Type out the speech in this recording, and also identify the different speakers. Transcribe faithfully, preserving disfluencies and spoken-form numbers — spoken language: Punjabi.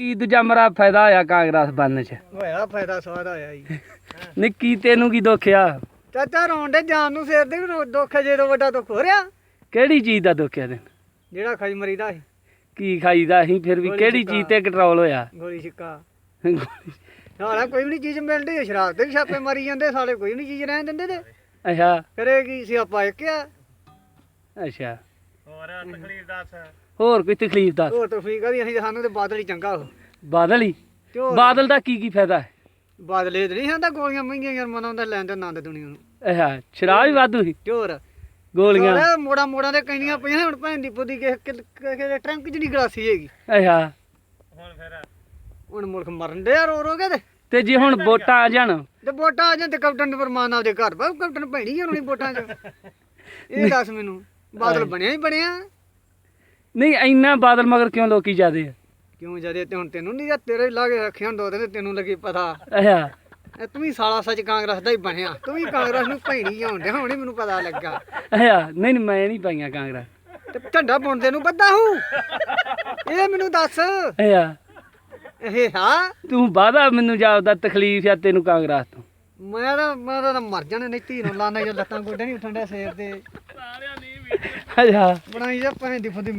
Speaker 1: ਕੀ ਦੂਜਾ ਮਰਾ ਫਾਇਦਾ ਹੋਇਆ ਕਾਂਗਰਸ ਬਣਨ ਚ?
Speaker 2: ਹੋਇਆ ਫਾਇਦਾ ਸਾਰਾ ਹੋਇਆ ਜੀ।
Speaker 1: ਨਹੀਂ ਕੀ ਤੈਨੂੰ ਕੀ ਦੁੱਖ ਆ?
Speaker 2: ਚਾਚਾ ਰੋਣ ਦੇ ਜਾਨ ਨੂੰ ਸਿਰ ਦੇ ਵੀ ਰੋ- ਦੁੱਖ ਹੈ, ਜਦੋਂ ਵੱਡਾ ਦੁੱਖ ਹੋ ਰਿਹਾ
Speaker 1: ਕਿਹੜੀ ਚੀਜ਼ ਦਾ ਦੁੱਖ ਆ ਤੈਨੂੰ?
Speaker 2: ਜਿਹੜਾ ਖਾਈ ਮਰੀਦਾ ਸੀ
Speaker 1: ਕੀ ਖਾਈਦਾ ਅਸੀਂ ਫਿਰ ਵੀ
Speaker 2: ਗੋਲੀ
Speaker 1: ਕਿਹੜੀ
Speaker 2: ਛਿੱਕਾ।
Speaker 1: ਚੀਜ਼ ਤੇ ਕੰਟਰੋਲ ਹੋਇਆ?
Speaker 2: ਗੋਲੀ ਛਿੱਕਾ ਸਾਲਾ ਕੋਈ ਵੀ ਨਹੀਂ ਚੀਜ਼ ਮਿਲਦੀ ਹੈ, ਸ਼ਰਾਬ ਤੇ ਵੀ ਛਾਪੇ ਮਾਰੀ ਜਾਂਦੇ ਸਾਲੇ, ਕੋਈ ਵੀ ਨਹੀਂ ਚੀਜ਼ ਰਹਿਣ ਦਿੰਦੇ ਤੇ
Speaker 1: ਅੱਛਾ
Speaker 2: ਕਰੇ ਕੀ ਸਿਆਪਾ ਇੱਕ ਆ।
Speaker 1: ਅੱਛਾ
Speaker 2: ਹੋਰ ਤਕਲੀਫ ਦੱਸ।
Speaker 1: ਹੋਰ ਕੋਈ ਤਕਲੀਫ ਦੱਸ।
Speaker 2: ਹੋਰ ਤਕਲੀਫ ਕਾਹਦੀ, ਅਸੀਂ ਸਾਨੂੰ ਤੇ ਬਾਦਲ ਹੀ ਚੰਗਾ ਉਹ
Speaker 1: ਬਾਦਲ ਹੀ?
Speaker 2: ਤੇ ਹੋਰ
Speaker 1: ਬਾਦਲ ਦਾ ਕੀ ਕੀ ਫਾਇਦਾ ਹੈ?
Speaker 2: ਬਾਦਲ ਇਹ ਤੇ ਨਹੀਂ ਖਾਂਦਾ, ਗੋਲੀਆਂ ਮਹਿੰਗੀਆਂ ਯਾਰ ਮਨਾਉਂਦਾ ਲੈਣ ਤੇ ਆਨੰਦ ਦੁਨੀਆ ਨੂੰ।
Speaker 1: ਅੱਛਾ ਸ਼ਰਾਬ ਵੀ ਵਾਧੂ ਸੀ?
Speaker 2: ਤੇ ਹੋਰ
Speaker 1: ਗੋਲੀਆਂ?
Speaker 2: ਸਾਲੇ ਮੋੜਾ ਮੋੜਾਂ ਦੇ ਕਈਆਂ ਪਈਆਂ, ਹੁਣ ਭੈਣ ਦੀ ਪੁੱਦੀ ਕਿਸੇ ਕਿਸੇ ਟਰੰਕ ਚ ਨਹੀਂ ਗਲਾਸੀ ਹੈਗੀ।
Speaker 1: ਅੱਛਾ
Speaker 2: ਹੁਣ ਫਿਰ ਹੁਣ ਮੁਲਕ ਮਰਨ ਦੇ ਰੋ ਰੋ ਕੇ ਤੇ
Speaker 1: ਤੇ ਜੇ ਹੁਣ ਵੋਟਾਂ ਆ ਜਾਣ?
Speaker 2: ਤੇ ਵੋਟਾਂ ਆ ਜਾਣ ਤੇ ਕੈਪਟਨ ਫਰਮਾਨ ਆਪਦੇ ਘਰ ਪਾ, ਕੈਪਟਨ ਭੈਣੀ ਹੋਣੀ ਵੋਟਾਂ ਚ। ਇਹ ਦੱਸ ਮੈਨੂੰ, ਬਾਦਲ ਬਣਿਆ ਹੀ ਬਣਿਆ
Speaker 1: ਨਹੀਂ ਇੰਨਾ ਬਾਦਲ ਮਗਰ ਕਿਉਂ ਲੋਕੀ ਜਾਦੇ ਆ?
Speaker 2: ਕਿਉਂ ਜਦੇ? ਤੇ ਹੁਣ ਤੈਨੂੰ ਨਹੀਂ, ਤੇਰੇ ਲਾਗੇ ਰੱਖਿਆ ਦੋ ਦਿਨ ਤੈਨੂੰ ਲੱਗੀ ਪਤਾ।
Speaker 1: ਅੱਛਾ
Speaker 2: ਇਹ ਤੂੰ ਵੀ ਸਾਲਾ ਸੱਚ ਕਾਂਗਰਸ ਦਾ ਹੀ ਬਣਿਆ, ਤੂੰ ਵੀ ਕਾਂਗਰਸ ਨੂੰ ਭੈਣੀ ਹੋਣ ਡਿਆ, ਹੁਣ ਹੀ ਮੈਨੂੰ ਪਤਾ ਲੱਗਾ।
Speaker 1: ਅੱਛਾ ਨਹੀਂ ਨਹੀਂ ਮੈਂ ਨਹੀਂ ਪਾਈਆਂ ਕਾਂਗਰਸ।
Speaker 2: ਤੇ ਝੰਡਾ ਬੁਣਦੇ ਨੂੰ ਬੱਦਾ ਹੂੰ, ਇਹ ਮੈਨੂੰ ਦੱਸ।
Speaker 1: ਅੱਛਾ
Speaker 2: ਇਹ ਹਾਂ
Speaker 1: ਤੂੰ ਵਾਦਾ ਮੈਨੂੰ ਜਾਪਦਾ ਤਕਲੀਫ ਆ ਤੈਨੂੰ ਕਾਂਗਰਸ ਤੋਂ?
Speaker 2: ਮੈਂ ਤਾਂ ਮੈਂ ਤਾਂ ਮਰ ਜਾਣਾ, ਨਹੀਂ ਧੀ ਨੂੰ ਲਾਣਾ, ਜੇ ਲੱਤਾਂ ਗੋਡੇ ਨਹੀਂ ਉੱਠਣ ਡਿਆ ਸਿਰ ਤੇ
Speaker 1: ਅੱਛਾ
Speaker 2: ਬਣਾਈ ਜਾ ਭੈਣ ਦੀ ਫੁੱਦੀ।